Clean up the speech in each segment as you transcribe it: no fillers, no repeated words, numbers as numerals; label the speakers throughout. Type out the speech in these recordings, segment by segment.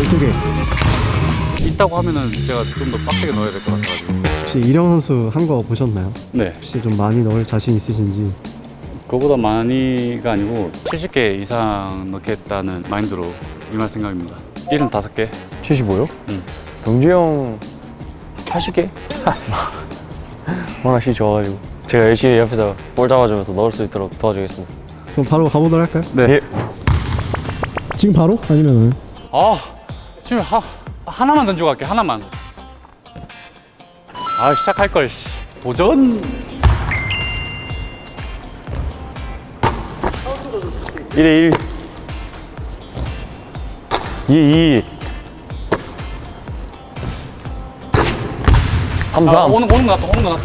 Speaker 1: 12개.
Speaker 2: 있다고 하면은 제가 좀 더 빡세게 넣어야 될 것 같아가지고.
Speaker 1: 혹시 이령 선수 한 거 보셨나요?
Speaker 2: 네.
Speaker 1: 혹시 좀 많이 넣을 자신 있으신지?
Speaker 2: 그거보다 많이가 아니고 70개 이상 넣겠다는 마인드로 임할 생각입니다. 75개.
Speaker 3: 75요?
Speaker 2: 응.
Speaker 3: 경주 형 80개? 워낙 시 좋아가지고 제가 열심히 옆에서 볼 잡아주면서 넣을 수 있도록 도와주겠습니다.
Speaker 1: 그럼 바로 가보도록 할까요?
Speaker 2: 네.
Speaker 3: 예.
Speaker 1: 지금 바로? 아니면은?
Speaker 2: 지금 하나만 던지고 갈게. 하나만. 시작할 걸. 도전.
Speaker 3: 1에 1 2에 2 3 3
Speaker 2: 오는 거 놔둬.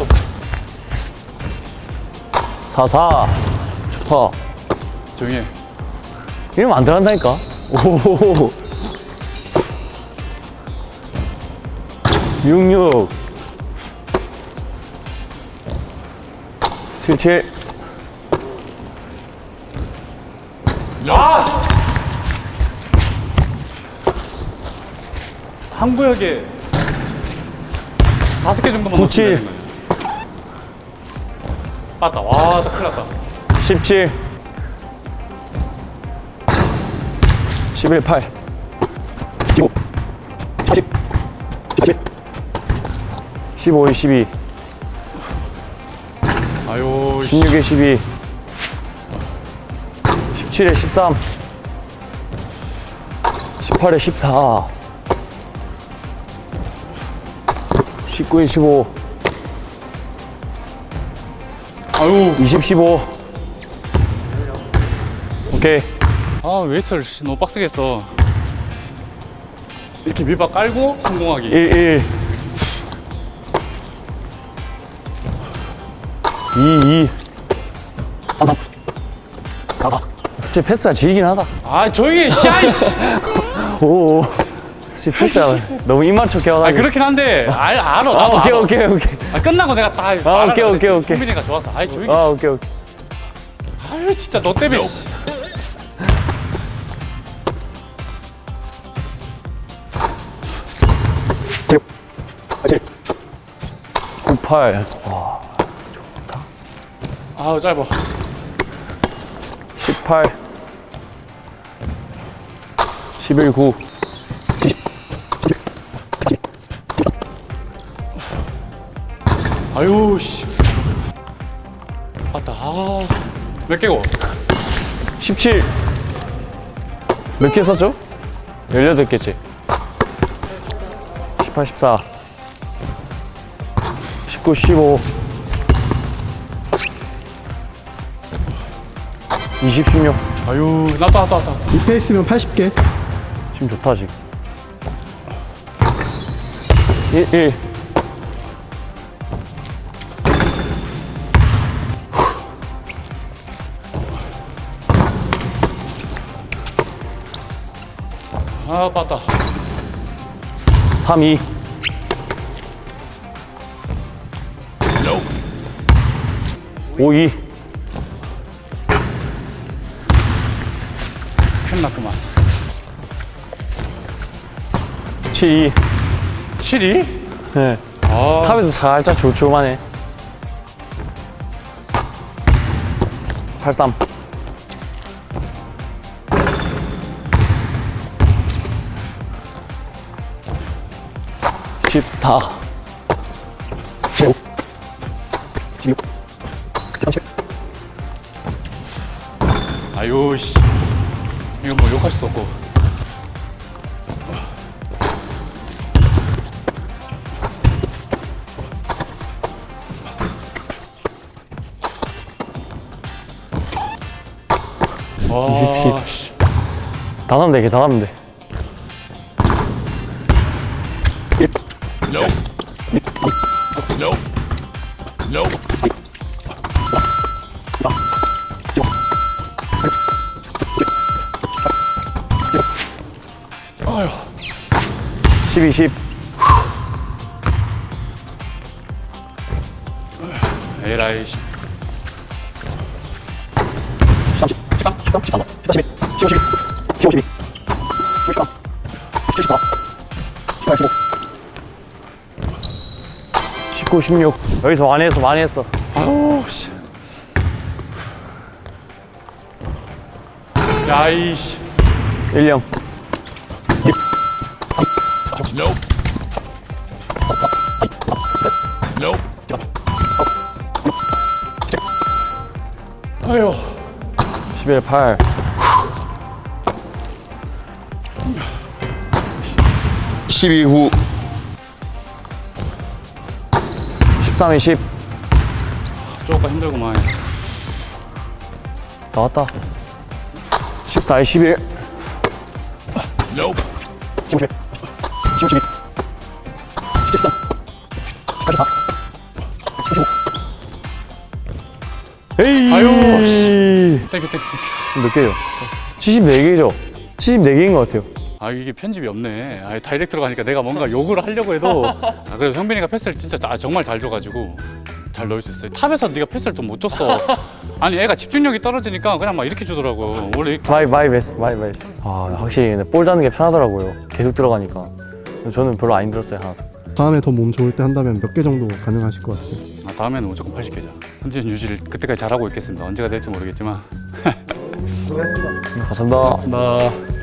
Speaker 3: 4 4 좋다.
Speaker 2: 조용히 해.
Speaker 3: 이러면 안 들어간다니까. 오 66 77
Speaker 2: 한 구역에 5개 정도만
Speaker 3: 97.
Speaker 2: 넣으면 되는 거예요. 맞다. 와, 나 큰일 났다.
Speaker 3: 17 11 8 15 10 11 15에 12
Speaker 2: 아유,
Speaker 3: 16에 12 17에 13 18에 14 19에 15
Speaker 2: 아유.
Speaker 3: 20 15 오케이.
Speaker 2: 웨이트를 너무 빡세게 했어. 이렇게 밀박 깔고 성공하기.
Speaker 3: 1 1 2 2 3 3 4 4 솔직히 패스가 질긴 하다.
Speaker 2: 조용히 해, 씨아이씨.
Speaker 3: 오 솔직히 패스가 너무 입맞춰 껴가지고.
Speaker 2: 그렇긴 한데, 알아. 나도
Speaker 3: 오케이
Speaker 2: 알아.
Speaker 3: 오케이
Speaker 2: 끝나고 내가 다
Speaker 3: 오케이.
Speaker 2: 성민이가 좋아서. 조용히 해.
Speaker 3: 오케이
Speaker 2: 진짜 너 때문에. 씨.
Speaker 3: 칠 98 와
Speaker 2: 짧아.
Speaker 3: 18 11 9
Speaker 2: 씨. 맞다. 몇 개고?
Speaker 3: 17 몇 개 썼죠? 18개지 18 14 19 15 20 16
Speaker 2: 나왔다.
Speaker 1: 이 페이스면 80개.
Speaker 3: 지금 좋다 지금 1 1
Speaker 2: 맞다.
Speaker 3: 3 2 5 2
Speaker 2: 큰났구만.
Speaker 3: 7 2
Speaker 2: 7이?
Speaker 3: 네. 탑에서 살짝 주춤하네 83 14 15 16 17
Speaker 2: 씨. 이거 뭐 욕할 수도 없고. 와,
Speaker 3: 20, 10.
Speaker 2: 씨.
Speaker 3: 다 하면 돼, 걔 다 하면 돼. 1 12, 10
Speaker 2: 에라이.
Speaker 3: 13, 13, 13, 14, 15, 16, 15, 12, 15, 12, 13, 17, 19, 16. 여기서 많이 했어.
Speaker 2: 아우 씨. 야이씨.
Speaker 3: 1, 0.
Speaker 2: 아유.
Speaker 3: 11, 8.
Speaker 4: 12, 9.
Speaker 3: 13, 10.
Speaker 2: 조금 힘들구만.
Speaker 3: 나왔다. 14, 11. 15, 11. 15, 12. 13. 84. 15. 에이.
Speaker 2: 아유, 씨. 땡큐.
Speaker 3: 몇 개요? 74개죠? 74개인 것 같아요.
Speaker 2: 아 이게 편집이 없네. 아 다이렉트로 가니까 내가 뭔가 욕을 하려고 해도 아, 그래서 형빈이가 패스를 진짜 정말 잘 줘가지고 잘 넣을 수 있어요. 탑에서 네가 패스를 좀 못 줬어. 아니 애가 집중력이 떨어지니까 그냥 막 이렇게 주더라고. 원래 이렇게
Speaker 3: 마이 베스트. 아, 확실히 근데 볼 잡는 게 편하더라고요. 계속 들어가니까. 근데 저는 별로 안 힘들었어요, 하나도.
Speaker 1: 다음에 더 몸 좋을 때 한다면 몇 개 정도 가능하실 것 같아요?
Speaker 2: 아, 다음에는 무조건 80개죠. 컨디션 유지를 그때까지 잘하고 있겠습니다. 언제가 될지 모르겠지만.
Speaker 3: 감사합니다.
Speaker 2: 나